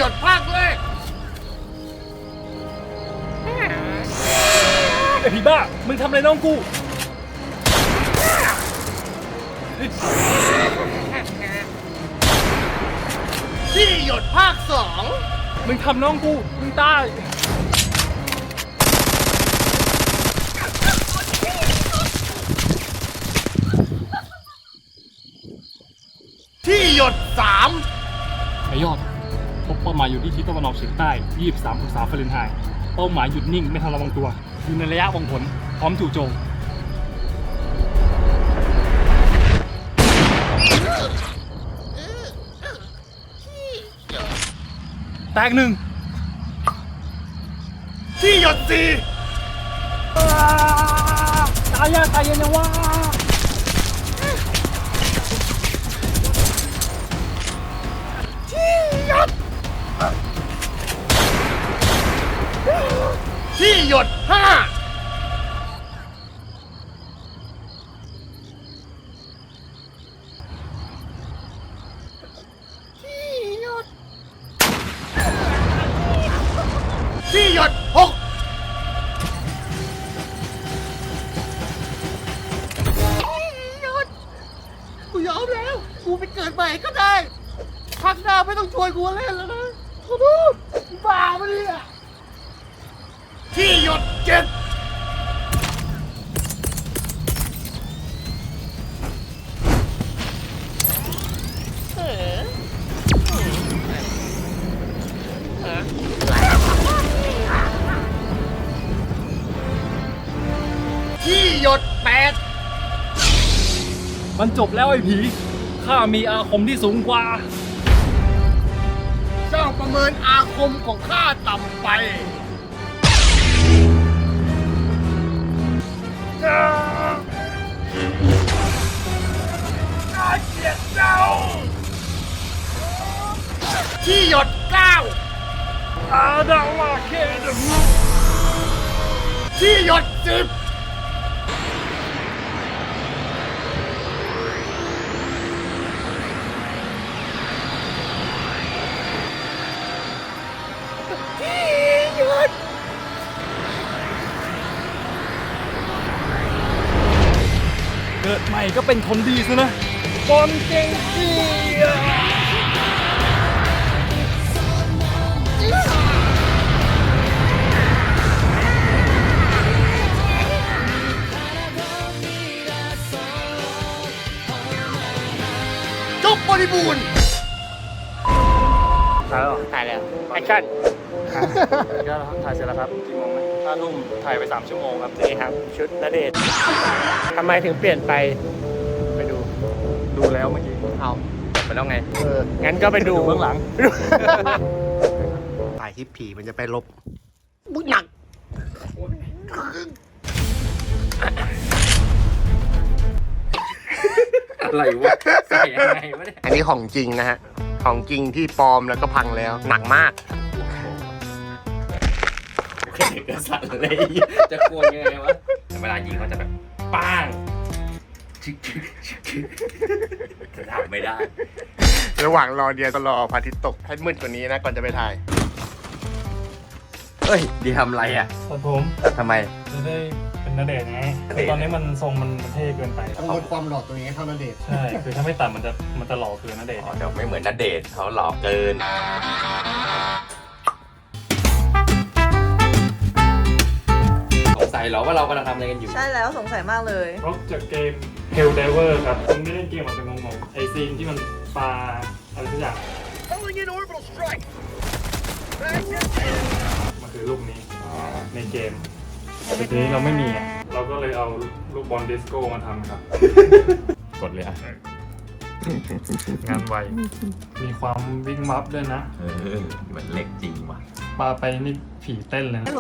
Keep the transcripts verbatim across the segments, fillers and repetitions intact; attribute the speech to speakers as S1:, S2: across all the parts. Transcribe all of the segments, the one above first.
S1: ดภาคแรก
S2: ไอพี่บ้ามึงทำอะไรน้องกู
S1: ที่หยดภาคสอง
S2: มึงทำน้องกูมึงตาย
S1: ที่หยดสาม
S2: ไอยอดพบเป้าหมายอยู่ที่ทิศตะวันออกเฉียงใต้ยี่สิบสามองศาฟาเรนไฮต์เป้าหมายหยุดนิ่งไม่ทันระวังตัวอยู่ในระยะวังผลพร้อมจู่โจมแตกหนึ่ง
S1: ที่หยดสี่
S2: ตายยากตายเย็นยังวะ
S1: ที่หยดที่หยดห้าที่หยดที่หยดหกหยดกูยอมแล้วกูไปเกิดใหม่ก็ได้พักหน้าไม่ต้องชวนกูเล่นแล้วนะขอโทษบ้าปะเนี่ยที่หยดเจ็ดที่หยดแปด
S2: มันจบแล้วไอ้ผีข้ามีอาคมที่สูงกว่า
S1: เจ้าประเมินอาคมของข้าต่ำไปข้าเกลียดเจ้าที่หยดเก้า
S2: อาดาวาเคดม
S1: ที่หยดสิบ
S2: เกิดใหม่ก็เป็นคนดีซะนะบอลเก่งจี
S1: จบบริบูรณ์
S2: ถ่ายแล้ว
S1: ถ่ายแล้วแอคชั่น
S2: ก็ถ่ายเสร็จแล้วครับกี่โมงนะห้าทุ่มถ่ายไปสามชั่วโมงครับ
S1: นี่ครับชุดณเดชน์ทำไมถึงเปลี่ยนไปไปดู
S2: ดูแล้วเมื่อกี้
S1: เอา
S2: ไปแล้วไง
S1: เอองั้นก็ไปดู
S2: เบื้องหลัง
S1: ถ่ายคลิปผีมันจะไปลบบุญหนัก
S2: อะไรวะใส่ยังไงวะเนี่ย
S1: อันนี้ของจริงนะฮะของจริงที่ปลอมแล้วก็พังแล้วหนักมาก
S2: แค่กระสันเลยจะกลัวยังไงวะเวลายิงเขาจะแบบป้างชิคชิคชิคทำไม่ได้
S1: ระหว่างรอเดียก็รอพระอาทิตย์ตกให้มืดกว่านี้นะก่อนจะไปถ่าย
S3: เฮ้ยดีทำอะไรอ่ะ
S2: ตัดผม
S3: ทำไม
S2: จะได้เป็นณเดชน์ไงคือตอนนี้มันทรงมันเท่เกินไป
S1: ต้องลดความหล่อตัวเองให้เท่าณเดชน์
S2: ใช่คือถ้าไม่ตัดมันจะมันจะหล่อเกินณเดชน์
S3: อ๋อเดี๋ยวไม่เหมือนณเดชน์เขาหล่อเกินสงสัยเหรอว่าเรากำลังทำอะไรกันอยู่
S4: ใช่แล้วสงสัยมากเลย
S2: เพราะจากเกม Hell Diver ครับคุณไม่เล่นเกมมันเป็นงงๆไอซีนที่มันปลาอะไรสักอย่างมันคือลูกนี้ในเกมแต่ทีนี้เราไม่มีอ่ะเราก็เลยเอาลูกบอลดิสโก้มาทำครับกดเลยอ่ะงานไวมีความวิ่งมัฟด้วยนะ
S3: เออเหมือนเล็กจริงว่ะ
S2: ปลาไปนี่ผีเต้นเลยนะ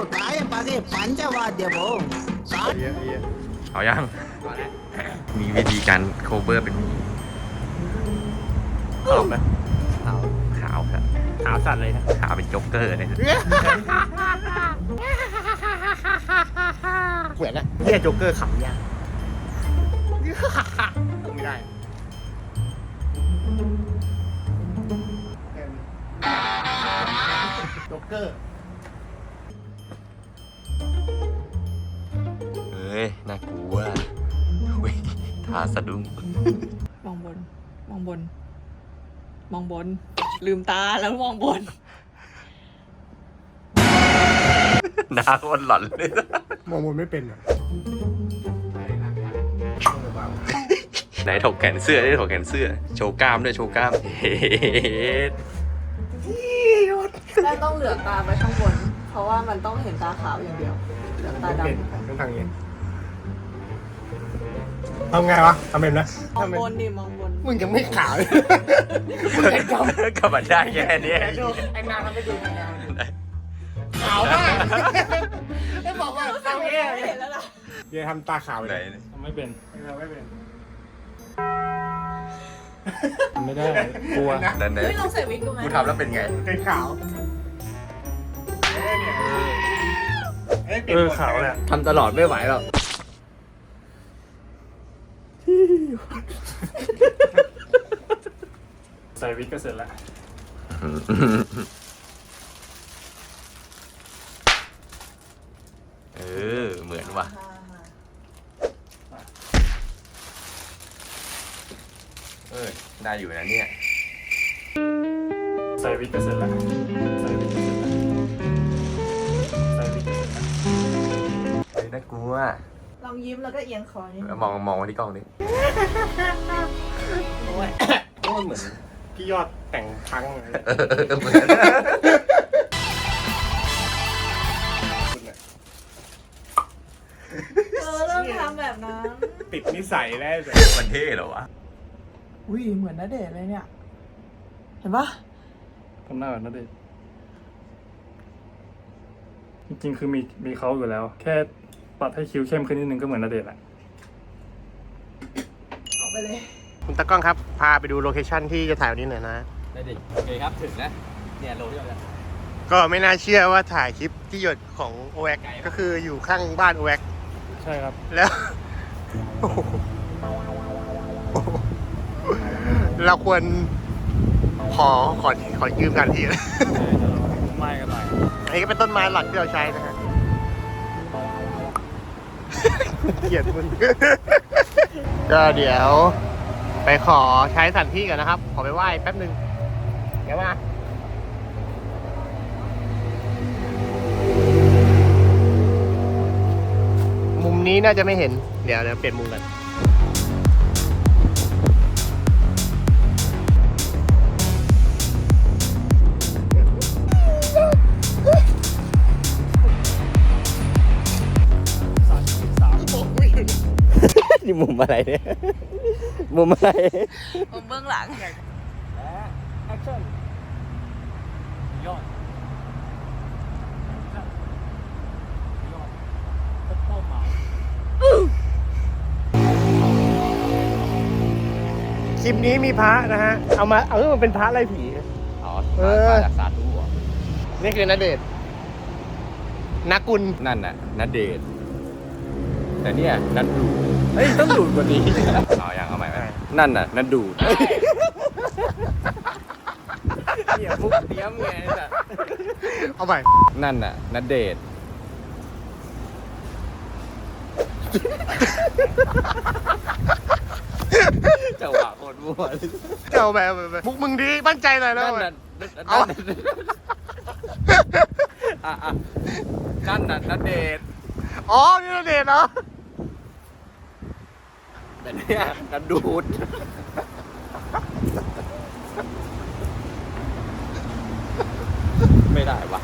S3: เอายังมีวิธีการโคเวอร์เป็น
S2: ขาวไหม
S3: ขาวขาวครับ
S2: ขาวสัตว์เลยนะ
S3: ขาวเป็นโจ๊กเกอร์เลยครับ
S1: เขวียนนะเฮียโจ๊กเกอร์ขำยากไม่ได้จ็อกเกอร์
S3: เฮ้ย น่ากลัวเว้ยทาสะดุ้ง
S4: มองบน มองบน มองบน ลืมตาแล้วมองบน
S3: หน้าคนหลอนเลย
S1: มองบนไม่เป็นอ่ะ
S3: ไหนถกแขนเสื้อได้ถกแขนเสื้อ โชว์กล้ามด้วยโชว์กล้าม เฮ้ย
S4: แม่ต้องเหลือกตาไปข้างบน เพราะว่ามันต้องเห็นตาขาวอย่างเดียว เหลือกตาด
S1: เป็นต้องทางนี้ทำไงวะทำเป็นนะ
S4: ำมองบนดิมองบน
S1: มึงยังไม่ขาวเลย
S3: ก็มาได้แค่เนี้ย
S1: ไอ้นางทำไม่ดูไอ้นางขาวมากไอ้บอกว่าทำเนี่ย
S4: เห็นแล้วล่ะ
S1: เดี๋ยวทำตาขาว
S3: ไหน
S1: เลย
S2: ทำไม่เป็น
S1: เราไม่เป็น
S2: ทำไม่ได้กลัว
S3: นั่นเน
S4: เฮ้ยลองใส่วิกดูไหม
S3: กูทำแล้วเป็นไง
S1: เป็นขาวเอ้ยเนี่ยเอ้ย
S2: เออขาวแหละ
S3: ทำตลอดไม่ไหวหรอก
S2: ใส่วิกก็เสร็จแล้ว
S3: เออ เหมือนว่ะ เออ ได้อยู่นะเนี่ย
S2: ใส่วิกก็เสร็จแล้วใส่วิกก็เสร็จแล้วใส่วิกก็เสร็จแล้ว
S3: เฮ้ยน่ากลัว
S4: ลองยิ้มแล้วก็เอียงคอนิดนึง
S3: มองมองมาที่กล้องนี้
S4: โอ้ย
S1: โอ้ยเหมือนพี่ยอดแต่งพังเลย
S3: เออเหมือน
S4: เออเริ่มทำแบบนั้น
S1: ติดนิสัยแล้วเลย
S3: มันเท่เหรอวะ
S4: อุ้ยเหมือนณเดชน์เลยเนี่ย เห็นปะ
S2: ทำหน้าแบบนั้นดิจริงๆคือมีมีเขาอยู่แล้ว แค่ปัดให้คิ้วเข้มขึ้นนิดนึงก็เหมือนณเดชน์แหละ
S4: ออกไปเลย
S1: คุณตากล้องครับ พาไปดูโลเคชั่นที่จะถ่ายวันนี้หน่อยนะ
S3: ได้ดิ โอเคครับ ถึงนะ เนี่ยโลที่เราจะ
S1: ก็ไม่น่าเชื่อว่าถ่ายคลิปที่หยดของโอแวกก็คืออยู่ข้างบ้านโอแวก
S2: ใช่ครับ
S1: แล้ว เราควรขอขอขอยืมกันทีนะ
S2: ไม่กันหน่อย
S1: อันนี้ก็เป็นต้นไม้หลักที่เราใช้นะฮะ เกลียดมึง ก็เดี๋ยวไปขอใช้สถานที่กันนะครับ ขอไปไหว้แป๊บนึงเดี๋ยวมา มุมนี้น่าจะไม่เห็น เดี๋ยวเดี๋ยวเปลี่ยนมุมกัน
S3: นี่มุมอะไรเนี่ย มุมอะไร
S4: มุมเบื้องหลัง
S2: แอคชั่นยอดยอดเป้าหมาย
S1: คลิปนี้มีพระนะฮะ เอามา เอามันเป็นพระไล่ผี
S3: อ๋อ
S1: เออ
S3: มาจากสาธุเหรอ
S1: นี่คือณเดชน์นักกุล
S3: นั่นน่ะนัดเดท แต่เนี่ยนัดดูเฮ้ย ต้องดูดกว่านี้เอาอย่างเอาใหม่ไหมนั่นน่ะนัดดูดเหี้ยมุกเตี้ยมไงจ้ะ
S1: เอาใหม่
S3: นั่นน่ะนัดเดท จังหวะโคตรมั่วเลย
S1: เจ้าแบบแบบมุกมึงดีมั่นใจหน่อยแล้ว
S3: นั่น
S1: แบ
S3: น่ะ
S1: บ
S3: นั่นน่ะอ่ะอ่ะนั่นน่ะนัดเดท
S1: อ๋อ นี่ณเดชน์เหรอ
S3: แต่เนี่ยนัดดูด ไม่ได้วะ